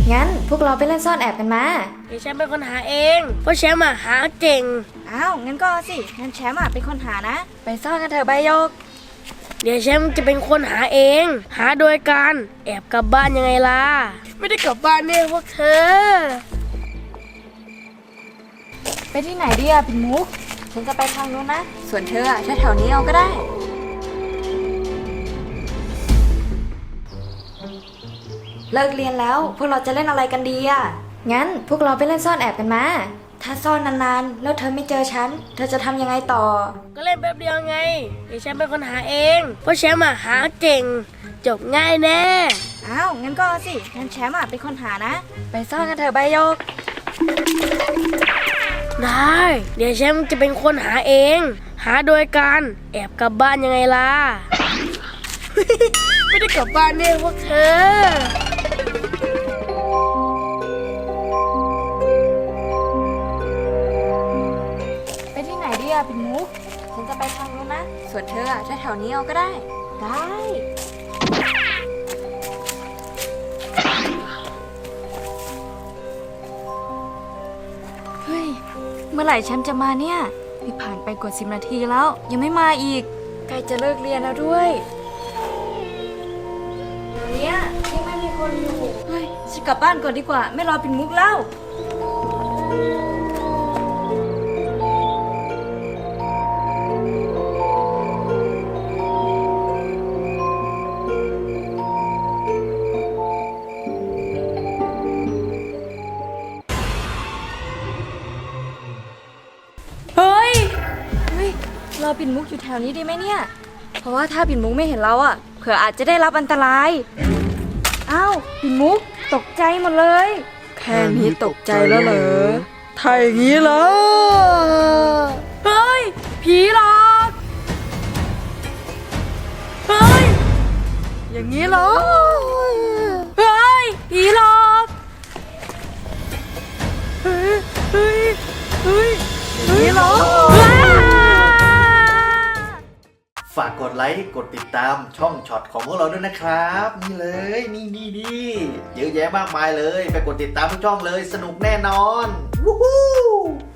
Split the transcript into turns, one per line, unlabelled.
งั้นพวกเราไปเล่นซ่อนแอบกันมา
เดี๋ยวแชมป์เป็นคนหาเองเพราะแชมป์หาเก่ง
อ้าวงั้นก็สิงั้นแชมป์เป็นคนหานะไปซ่อนกันเถอะใบโยก
เดี๋ยวแชมป์จะเป็นคนหาเองหาโดยการแอบกลับบ้านยังไงล่ะไม่ได้กลับบ้านเนี่ยพวกเธอ
ไปที่ไหนดีอะปิ่นมุกฉันจะไปทางนู้นนะส่วนเธอแถวนี้เอาก็ได้เลิกเรียนแล้วพวกเราจะเล่นอะไรกันดีอะงั้นพวกเราไปเล่นซ่อนแอบกันมาถ้าซ่อนนานๆแล้วเธอไม่เจอฉันเธอจะทำยังไงต่อ
ก็เล่นแป๊บเดียวไงเดี๋ยวแชมป์เป็นคนหาเองเพราะแชมป์หาเก่งจบง่ายแน่
อ้าวงั้นก็สิงั้นแชมป์เป็นคนหานะไปซ่อนกันเถอะใบโยก
ได้เดี๋ยวแชมป์จะเป็นคนหาเองหาโดยการแอบกลับบ้านยังไงล่ะ ไม่ได้กลับบ้านเนี่ยพวกเธอ
ไปที่ไหนดีอะปิ่นมุกฉันจะไปทางนู้นนะส่วนเธอแถวนี้เอาก็ได้เฮ้ยเมื่อไหร่แชมป์จะมาเนี่ยผ่านไปกว่า10 นาทีแล้วยังไม่มาอีกใกล้จะเลิกเรียนแล้วด้วยเนี่ยยังไม่มีคนอยู่เฮ้ยฉันกลับบ้านก่อนดีกว่าไม่รอปิ่นมุกแล้วรอปิ่นมุกอยู่แถวนี้ดีไหมเนี่ยเพราะว่าถ้าปิ่นมุกไม่เห็นเราเผื่ออาจจะได้รับอันตรายอ้าวปิ่นมุกตกใจหมดเลยแค่นี้ตกใจแล้วเหรอถ้าอย่างนี้เหรอเฮ้ยผีหลอกเฮ้ยอย่างนี้เหรอเฮ้ยผีหลอกเฮ้ยอย่างนี้เหรอ
ฝากกดไลค์กดติดตามช่องช็อตของพวกเราด้วยนะครับนี่เลยนี่เยอะแยะมากมายเลยไปกดติดตามทุกช่องเลยสนุกแน่นอนวู้ฮู้